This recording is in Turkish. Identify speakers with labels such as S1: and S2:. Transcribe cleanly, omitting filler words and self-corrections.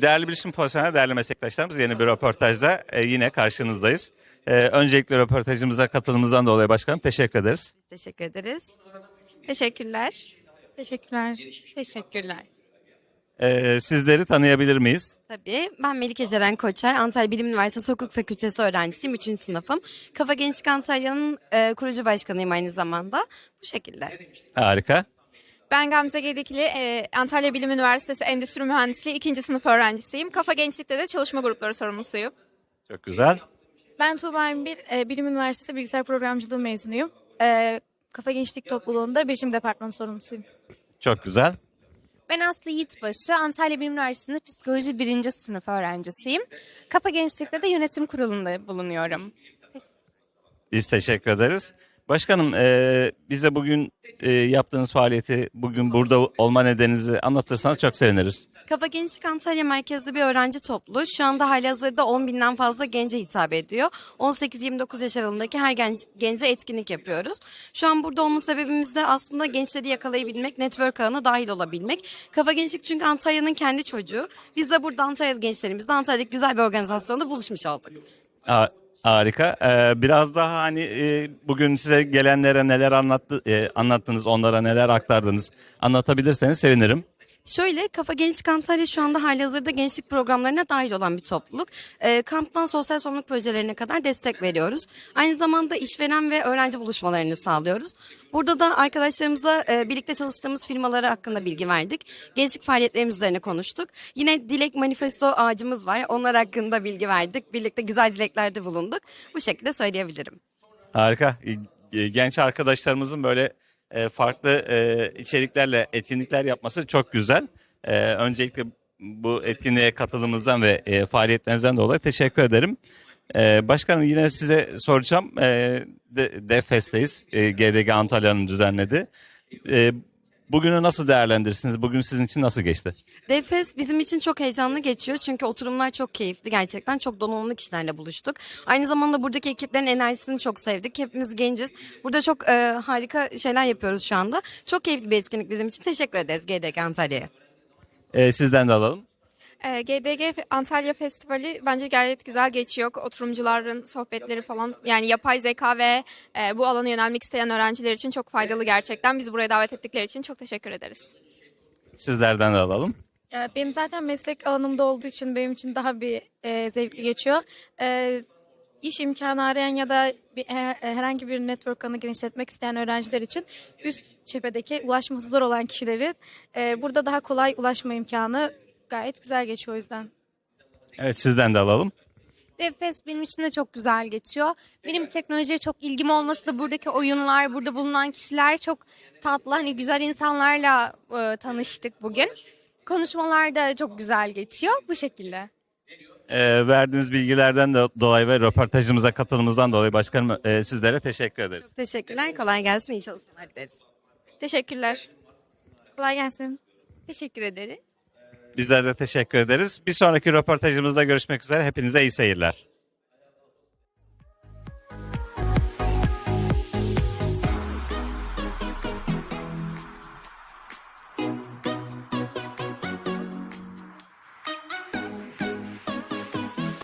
S1: Değerli bilişim profesyonel, değerli meslektaşlarımız yeni bir röportajda yine karşınızdayız. Öncelikle röportajımıza katılımınızdan dolayı başkanım teşekkür ederiz.
S2: Teşekkür ederiz.
S3: Teşekkürler.
S4: Teşekkürler.
S3: Teşekkürler.
S1: Sizleri tanıyabilir miyiz?
S2: Tabii. Ben Melike Ceren Koçer. Antalya Bilim Üniversitesi Hukuk Fakültesi öğrencisiyim. 3. sınıfım. Kafa Gençlik Antalya'nın kurucu başkanıyım aynı zamanda. Bu şekilde.
S1: Harika.
S3: Ben Gamze Gedikli, Antalya Bilim Üniversitesi Endüstri Mühendisliği 2. sınıf öğrencisiyim. Kafa Gençlik'te de çalışma grupları sorumlusuyum.
S1: Çok güzel.
S4: Ben Tuğba Embir, Bilim Üniversitesi Bilgisayar Programcılığı mezunuyum. Kafa Gençlik Topluluğu'nda bilişim departmanı sorumlusuyum.
S1: Çok güzel.
S5: Ben Aslı Yiğitbaşı, Antalya Bilim Üniversitesi'nde psikoloji 1. sınıf öğrencisiyim. Kafa Gençlik'te de yönetim kurulunda bulunuyorum.
S1: Biz teşekkür ederiz. Başkanım bize bugün yaptığınız faaliyeti, bugün burada olma nedeninizi anlatırsanız çok seviniriz.
S2: Kafa Gençlik Antalya merkezli bir öğrenci topluluğu. Şu anda halihazırda 10 binden fazla gence hitap ediyor. 18-29 yaş aralığındaki her gence etkinlik yapıyoruz. Şu an burada olma sebebimiz de aslında gençleri yakalayabilmek, network ağına dahil olabilmek. Kafa Gençlik çünkü Antalya'nın kendi çocuğu. Biz de burada Antalya gençlerimizle Antalya'daki güzel bir organizasyonda buluşmuş olduk.
S1: Harika. Biraz daha hani bugün size gelenlere neler anlattınız, onlara neler aktardınız anlatabilirseniz sevinirim.
S2: Şöyle, Kafa Gençlik Antalya şu anda halihazırda gençlik programlarına dahil olan bir topluluk. Kamptan sosyal sorumluluk projelerine kadar destek veriyoruz. Aynı zamanda işveren ve öğrenci buluşmalarını sağlıyoruz. Burada da arkadaşlarımıza birlikte çalıştığımız firmaları hakkında bilgi verdik. Gençlik faaliyetlerimiz üzerine konuştuk. Yine Dilek Manifesto ağacımız var. Onlar hakkında bilgi verdik. Birlikte güzel dileklerde bulunduk. Bu şekilde söyleyebilirim.
S1: Harika. Genç arkadaşlarımızın böyle farklı içeriklerle etkinlikler yapması çok güzel. Öncelikle bu etkinliğe katılımınızdan ve faaliyetlerinizden dolayı teşekkür ederim. Başkanım yine size soracağım. DEFES'teyiz. GDG Antalya'nın düzenledi. Bugünü nasıl değerlendirirsiniz? Bugün sizin için nasıl geçti?
S2: Defes bizim için çok heyecanlı geçiyor çünkü oturumlar çok keyifli, gerçekten çok donanımlı kişilerle buluştuk. Aynı zamanda buradaki ekiplerin enerjisini çok sevdik. Hepimiz genciz. Burada çok harika şeyler yapıyoruz şu anda. Çok keyifli bir etkinlik bizim için. Teşekkür ederiz GDG Antalya'ya.
S1: Sizden de alalım.
S3: GDG Antalya Festivali bence gayet güzel geçiyor. Oturumcuların sohbetleri falan, yani yapay zeka ve bu alana yönelmek isteyen öğrenciler için çok faydalı gerçekten. Bizi buraya davet ettikleri için çok teşekkür ederiz.
S1: Sizlerden de alalım.
S4: Benim zaten meslek alanımda olduğu için benim için daha bir zevkli geçiyor. İş imkanı arayan ya da herhangi bir network ağını genişletmek isteyen öğrenciler için üst cephedeki ulaşması zor olan kişilerin burada daha kolay ulaşma imkanı gayet güzel geçiyor o yüzden.
S1: Evet, sizden de alalım.
S5: Defes benim için de çok güzel geçiyor. Benim teknolojiye çok ilgim olması da buradaki oyunlar, burada bulunan kişiler çok tatlı, hani güzel insanlarla tanıştık bugün. Konuşmalar da çok güzel geçiyor bu şekilde.
S1: Verdiğiniz bilgilerden de dolayı ve röportajımıza katılımınızdan dolayı başkanım sizlere teşekkür ederiz.
S2: Teşekkürler. Kolay gelsin. İyi çalışmalar dileriz.
S3: Teşekkürler.
S4: Kolay gelsin.
S5: Teşekkür ederiz.
S1: Bizler de teşekkür ederiz. Bir sonraki röportajımızda görüşmek üzere. Hepinize iyi seyirler.